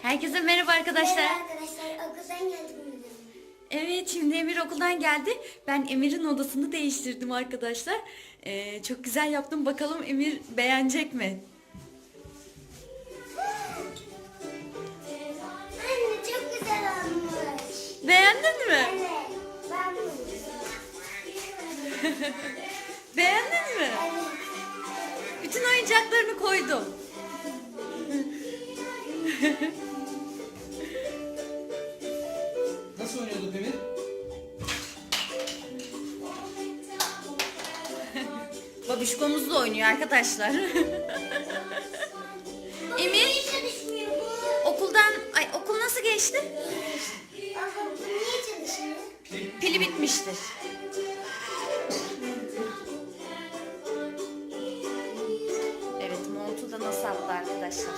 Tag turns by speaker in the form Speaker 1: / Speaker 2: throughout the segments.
Speaker 1: Herkese merhaba arkadaşlar.
Speaker 2: Merhaba arkadaşlar, okuldan geldim.
Speaker 1: Evet, şimdi Emir okuldan geldi. Ben Emir'in odasını değiştirdim arkadaşlar. Çok güzel yaptım. Bakalım Emir beğenecek mi?
Speaker 2: Anne çok güzel olmuş.
Speaker 1: Beğendin mi?
Speaker 2: Evet, ben bunu.
Speaker 1: Beğendin mi?
Speaker 2: Evet.
Speaker 1: Bütün oyuncaklarını koydum.
Speaker 3: Nasıl oynuyorduk Emir?
Speaker 1: Babişkomuzla oynuyor arkadaşlar. Emir
Speaker 2: Niye çalışmıyor bu?
Speaker 1: okul nasıl geçti?
Speaker 2: Ama bu niye çalışmıyor?
Speaker 1: Pili bitmiştir. Evet, montu da nasıl yaptı arkadaşlar?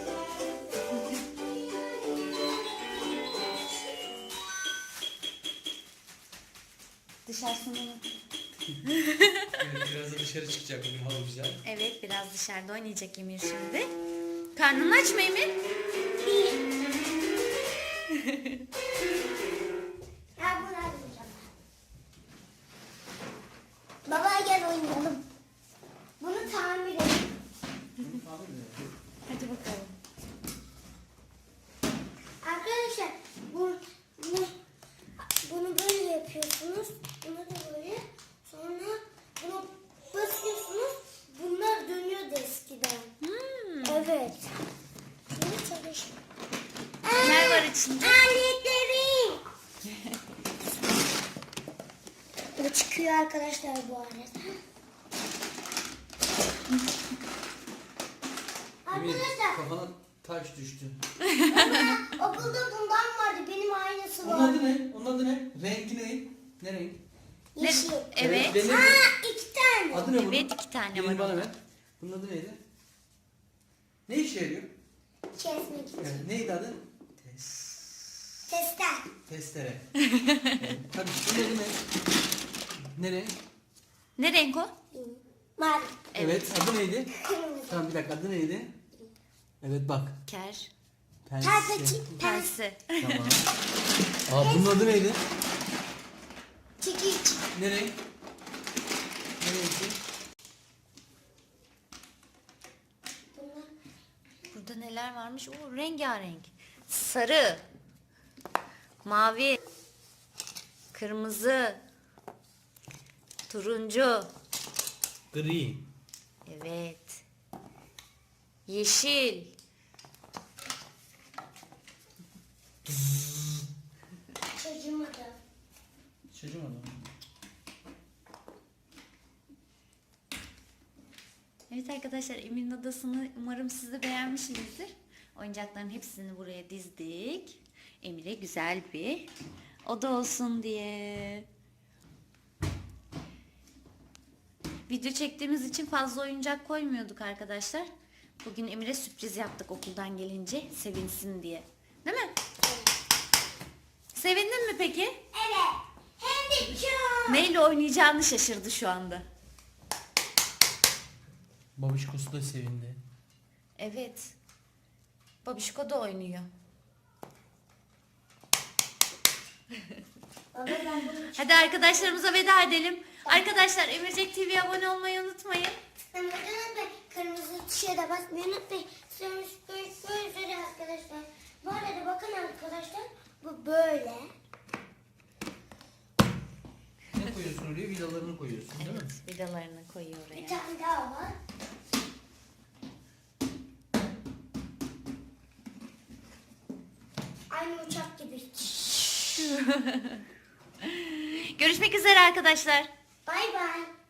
Speaker 1: Dışarısını
Speaker 3: Evet, biraz da dışarı çıkacak bugün hava güzel.
Speaker 1: Evet, biraz dışarıda oynayacak Emir şimdi. Karnın aç mı Emir?
Speaker 2: Ha bunu alacağım. Baba gel oynayalım. Bunu tamir edelim.
Speaker 1: Hadi bakalım.
Speaker 2: Arkadaşlar bunu böyle yapıyorsunuz. Bunu da böyle. Sonra bunu basıyorsunuz. Bunlar dönüyordu eskiden. Evet. Bunu çalış.
Speaker 1: Neler var içinde?
Speaker 2: Aletlerim. Bu çıkıyor arkadaşlar bu arada.
Speaker 3: Emir
Speaker 2: Arkadaşlar
Speaker 3: kafana taş düştü.
Speaker 2: okulda bundan vardı. Benim aynısı
Speaker 3: Onun
Speaker 2: var.
Speaker 3: adı ne? Onun adı ne? Rengi ne? Ne renk?
Speaker 2: Yeşil.
Speaker 1: Evet.
Speaker 3: Benim-
Speaker 2: Ha, 2 tane.
Speaker 3: Adı ne bunun?
Speaker 1: Evet, 2 tane
Speaker 3: Birini
Speaker 1: var.
Speaker 3: bana ver. Bunun adı neydi? Ne işe yarıyor?
Speaker 2: Kesmek için.
Speaker 3: Evet, neydi adı?
Speaker 2: Tester.
Speaker 3: Testere. Evet. Hadi bunun adı ne? Ne renk?
Speaker 1: Ne renk o?
Speaker 2: Mavi.
Speaker 3: Evet. Adı neydi?
Speaker 2: Kırmızı.
Speaker 3: Tamam bir dakika adı neydi? Evet bak.
Speaker 1: Ker.
Speaker 3: Pense.
Speaker 2: Pense.
Speaker 1: Pense.
Speaker 3: Tamam. Aa bunun adı neydi?
Speaker 2: Çekiç.
Speaker 3: Ne renk? Ne renkti?
Speaker 2: Bunlar.
Speaker 1: Burada neler varmış? Oo, rengarenk. Sarı. Mavi. Kırmızı. Turuncu.
Speaker 3: Gri.
Speaker 1: Evet. Yeşil.
Speaker 2: Çocuğuma da.
Speaker 3: Çocuğum adam.
Speaker 1: Evet arkadaşlar, Emir'in odasını umarım siz de beğenmişsinizdir. Oyuncakların hepsini buraya dizdik. Emir'e güzel bir oda olsun diye. Video çektiğimiz için fazla oyuncak koymuyorduk arkadaşlar. Bugün Emir'e sürpriz yaptık okuldan gelince sevinsin diye. Değil mi? Sevindin mi peki?
Speaker 2: Evet. Hem de çok.
Speaker 1: Neyle oynayacağını şaşırdı şu anda.
Speaker 3: Babişkosu da sevindi.
Speaker 1: Evet. Babişko da oynuyor.
Speaker 2: Baba ben bunu
Speaker 1: Hadi arkadaşlarımıza veda edelim. Arkadaşlar, Emircek TV'ye abone olmayı unutmayın.
Speaker 2: unutmayın. Kırmızı tuşa da basmayı unutmayın. Sonra böyle arkadaşlar. Bu arada bakın arkadaşlar. Bu böyle.
Speaker 3: Ne koyuyorsun oraya? Vidalarını koyuyorsun değil mi?
Speaker 1: Evet, vidalarını koyuyor
Speaker 2: Bir
Speaker 1: oraya.
Speaker 2: tane daha var. Aynı uçak gibi.
Speaker 1: Görüşmek üzere arkadaşlar.
Speaker 2: Bay bay.